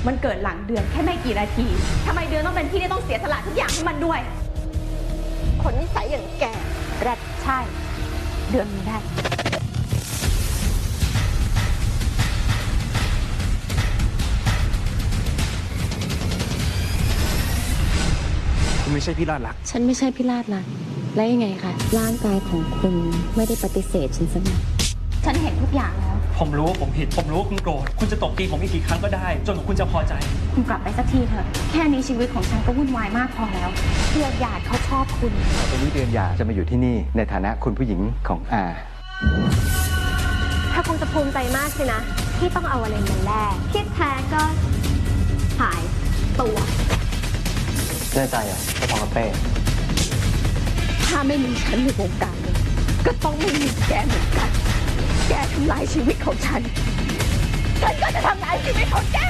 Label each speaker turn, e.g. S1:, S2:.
S1: มันเกิดหลังเดือนแค่ไม่กี่นาทีทำไมเดือนต้องเป็นพี่ที่ต้องเสียสละทุกอย่างให้มันด้วย
S2: คนนิสัยอย่างแก
S1: แรดใช่ เดือนมีได้
S3: คุณไม่ใช่พี่ลาดรัก
S4: ฉันไม่ใช่พี่ลาดรักและยังไงคะร่างกายของคุณไม่ได้ปฏิเสธฉันสักหน่อย
S1: ฉันเห็นทุกอย่างแล้ว
S3: ผมรู้ว่าผมผิดผมรู้ว่าคุณโกรธคุณจะตบตีผมอีกกี่ครั้งก็ได้จนกว่าคุณจะพอใจ
S1: คุณกลับไปสักทีเถอะแค่นี้ชีวิตของฉันก็วุ่นวายมากพอแล้วเพื่อญาติเขาชอบคุณ
S5: ตอนนี้เดือนหย่าจะมาอยู่ที่นี่ในฐานะคุณผู้หญิงของอา
S2: ถ้าคงจะภูมิใจมากสินะที่ต้องเอาอะไรมาแลกที่แท้ก็หายตัว
S5: แน่ใจอ่ะจะพอกับเป้
S1: ถ้าไม่มีฉันในวงการเลยก็ต้องไม่มีแกเหมือนกันแกทำลายชีวิตของฉันก็จะทำลายชีวิตของแก